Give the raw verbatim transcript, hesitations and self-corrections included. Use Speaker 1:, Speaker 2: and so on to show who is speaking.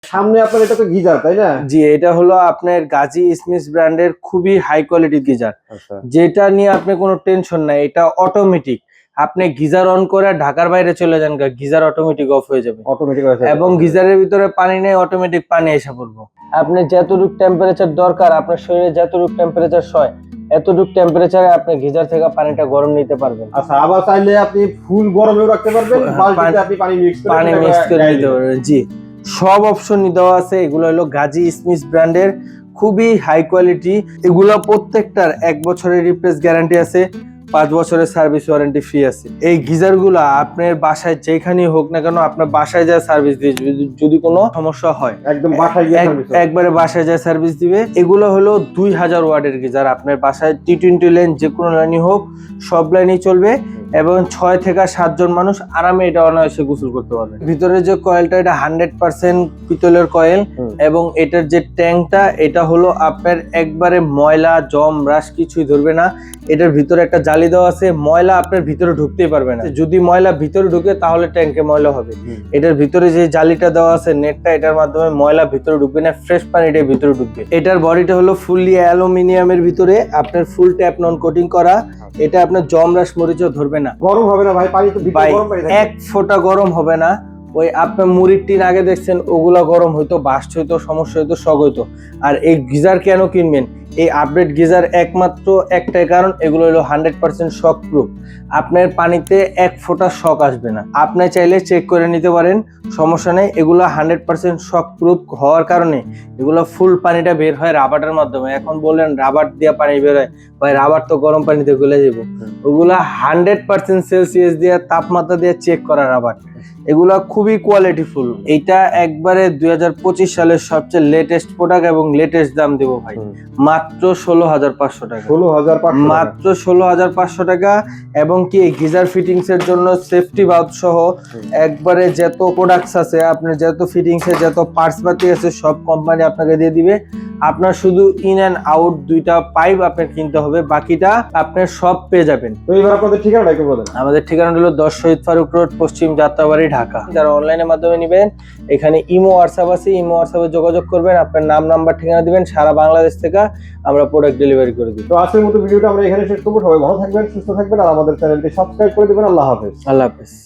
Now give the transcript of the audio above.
Speaker 1: সামনে আপনার এটা তো গিজার তাই না?
Speaker 2: জি, এটা হলো আপনার গাজী স্মিথ ব্র্যান্ডের খুবই হাই কোয়ালিটির গিজার,
Speaker 1: আচ্ছা।
Speaker 2: যেটা নিয়ে আপনি কোনো টেনশন নাই। এটা অটোমেটিক, আপনি গিজার অন করে ঢাকার বাইরে চলে যান, গিজার অটোমেটিক অফ হয়ে যাবে
Speaker 1: অটোমেটিক
Speaker 2: এবং গিজারের ভিতরে পানি নেই, অটোমেটিক পানি এসে পড়বো। আপনি যতটুকু টেম্পারেচার দরকার, আপনার শরীরে যতটুকু টেম্পারেচার সয় এতটুকু টেম্পারেচারে আপনি গিজার থেকে পানিটা গরম নিতে পারবেন।
Speaker 1: আচ্ছা, আবার চাইলে আপনি ফুল গরমেও রাখতে পারবেন, বালতিতে আপনি পানি মিক্স করে
Speaker 2: পানি মিক্স করে নিতে পারবেন। জি, সব অপশনই দেওয়া আছে। এগুলো হলো গাজী স্মিথ ব্র্যান্ডের খুবই হাই কোয়ালিটি। এগুলো প্রত্যেকটার এক বছরের রিপ্লেস গ্যারান্টি আছে, পাঁচ বছরের সার্ভিস ওয়ারেন্টি ফ্রি আছে। এই গিজার গুলা আপনার বাসায় যেখানেই হোক না কেন, আপনার বাসায় যায় সার্ভিস দিয়ে, যদি কোনো সমস্যা হয় একদম বাসায় গিয়ে একবারে বাসায় যায় সার্ভিস দিবে। এগুলো হলো দুই হাজার ওয়াটের গিজার, আপনার বাসায় টি টোয়েন্টি লাইন যে কোনো লাইনই হোক সব লাইনই চলবে এবং ছয় থেকে সাতজন মানুষ আরামে এটা অনায়াসে গোসল করতে পারবে। ভিতরে যে কয়েলটা, এটা হান্ড্রেড পার্সেন্ট পিতলের কয়েল এবং এটার যে ট্যাঙ্কটা, এটা হলো আপনার একবারে ময়লা জম রাশ কিছুই ধরবে না। এটার ভিতরে একটা জালি দেওয়া আছে, ময়লা আপনার ভিতরে ঢুকতেই পারবে না। যদি ময়লা ভিতরে ঢুকে তাহলে ট্যাঙ্কে ময়লা হবে। এটার ভিতরে যে জালিটা দেওয়া আছে নেটটা, এটার মাধ্যমে ময়লা ভিতরে ঢুকবে না, ফ্রেশ পানিটা ভিতরে ঢুকবে। এটার বডিটা হলো ফুললি অ্যালুমিনিয়ামের ভিতরে আপনার ফুল ট্যাপ নন কোটিং করা। এটা আপনার জমরাস মরিচও ধরবে না,
Speaker 1: গরম হবে না ভাই, পানি তো ভিতরে গরম পানি থাকে,
Speaker 2: এক ফোঁটা গরম হবে না। ওই আপনার মুড়ির টিন আগে দেখছেন, ওগুলা গরম হইতো, বাস্ট হইতো, সমস্যা হইতো, শক হইতো। আর এই গিজার কেন কিনবেন? এই আপডেট গিজার একমাত্র একটাই কারণ, এগুলো হলো হান্ড্রেড পার্সেন্ট শক প্রুফ। আপনার পানিতে এক ফোঁটা শক আসবে না। আপনি চাইলে চেক করে নিতে পারেন, সমস্যা নেই। এগুলো হান্ড্রেড পার্সেন্ট শক প্রুফ হওয়ার কারণে এগুলো ফুল পানিটা বের হয় রাবারের মাধ্যমে। এখন বললেন রাবার দিয়ে পানি বের হয়, ভাই রাবার তো গরম পানিতে গলে যাবো। ওগুলা হান্ড্রেড পার্সেন্ট সেলসিয়াস দিয়ে তাপমাত্রা দিয়ে চেক করা রাবার। এগুলা খুবই কোয়ালিটিফুল। এইটা একবারে দুই হাজার পঁচিশ সালের সবচেয়ে লেটেস্ট প্রোডাক্ট এবং লেটেস্ট দাম দেবো ভাই, মাত্র ষোলো হাজার পাঁচশো টাকা।
Speaker 1: ষোলো হাজার
Speaker 2: মাত্র ষোলো হাজার পাঁচশো টাকা। এবং কি গিজার ফিটিংস এর জন্য সেফটি বাল্ব সহ একবারে যত প্রোডাক্টস আছে, আপনার যত ফিটিংস এর যত পার্টস পাতি আছে সব কোম্পানি আপনাকে দিয়ে দিবে। আপনার শুধু ইন অ্যান্ড আউট দুইটা পাইপ আপনার কিনতে হবে, বাকিটা আপনার সব পেয়ে যাবেন।
Speaker 1: তো এবার আপনাদের ঠিকানাটা একটু বলেন।
Speaker 2: আমাদের ঠিকানা হলো দশ শহীদ ফারুক রোড, পশ্চিম যাত্রাবাড়ি, ঢাকা। যারা অনলাইনের মাধ্যমে নেবেন, এখানে ইমো হোয়াটসঅ্যাপ আছে, ইমো হোয়াটসঅ্যাপে যোগাযোগ করবেন, আপনার নাম নাম্বার ঠিকানা দিবেন, সারা বাংলাদেশ থেকে আমরা প্রোডাক্ট ডেলিভারি করে দিই।
Speaker 1: তো আজকের মতো ভিডিওটা আমরা এখানে শেষ করবো। সবাই ভালো থাকবেন, সুস্থ থাকবেন আর আমাদের চ্যানেলটি সাবস্ক্রাইব করে দিবেন। আল্লাহ হাফেজ।
Speaker 2: আল্লাহ হাফেজ।